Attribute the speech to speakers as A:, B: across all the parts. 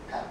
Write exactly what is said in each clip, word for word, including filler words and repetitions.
A: ครับ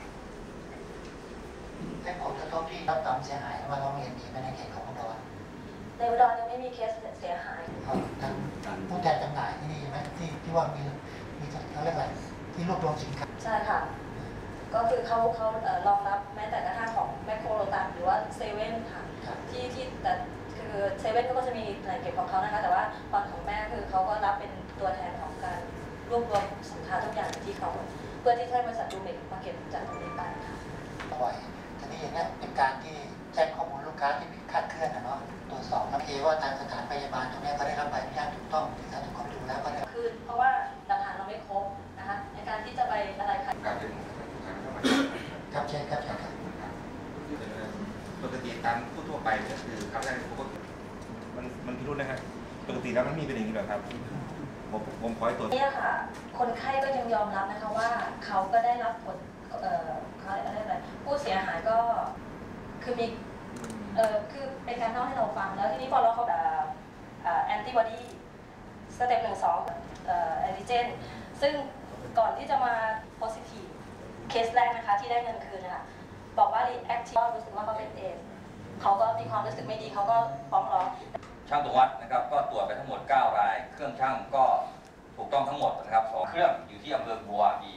A: ให้ผลกระทบที่รับความเสียหายมาร้องเรียนมีไหมในเขตของอุดร
B: ในอุดรยังไม่มีเคสเสียหาย
A: ทางผู้แทนจำหน่ายที่นี่ไหมที่ที่ว่ามีมีเขาเรียกอะไรที่รวบรวมสินค้า
B: ใช่ค่ะก็คือเขาเขารองรับแม้แต่กระทั่งของแมคโครโลตัสหรือว่าเซเว่นค่ะที่ที่แต่คือเซเว่นก็จะมีหน่วยเก็บของเขานะคะแต่ว่าฝั่งของแม่คือเขาก็รับเป็นตัวแทนของการรวบรวมสินค้าทุกอย่างที่เขาเพื่อที่ให้บริษัทดูเมกมาเก็บจากตรงนี้ไปค่ะ
A: บ่อยทีนี้อย่างนี้เป็นการที่แจ้งข้อมูลลูกค้าที่คลาดเคลื่อนนะเนาะตรวจสอบแล้วเอว่าทางสถานพยาบาลตรงนี้เขาได้รับใบอนุญาตถูกต้องที่สถานกรมดูแล้วก็ได้
B: คือเพราะว่าหลักฐานเราไม่ครบนะคะในการที่จะไปอะไรค่ะ
C: การเป็น
A: ครับเช่นครับเช่นครับ
C: ปกติตามผู้ทั่วไปก็คือครั้งแรกผมก็มันมันพิรุธนะฮะปกติแล้วมันมีเป็นอย่างนี้เหรอครับผมผมขอให้ตัว
B: นี่ค่ะคนไข้ก็ยังยอมรับนะคะว่าเขาก็ได้รับผลเอ่อเขาเรียกอะไรผู้เสียหายก็คือมีเอ่อคือเป็นการเล่าให้เราฟังแล้วทีนี้พอเราเขาแอนติบอดีสเต็ปหนึ่งสองเอ่อแอนติเจนซึ่งก่อนที่จะมาโพซิทีฟเคสแรกนะคะที่ได้เงินคืนนะคะบอกว่ารีแอคทีฟรู้สึกว่าเขาเป็นเอสเขาก็มีความรู้สึกไม่ดีเขาก็ฟ้องร้อง
D: ช่างตรวจวัดนะครับก็ตรวจไปทั้งหมดเก้ารายเครื่องช่างก็ถูกต้องทั้งหมดนะครับสองเครื่องอยู่ที่อำเภอบัวอี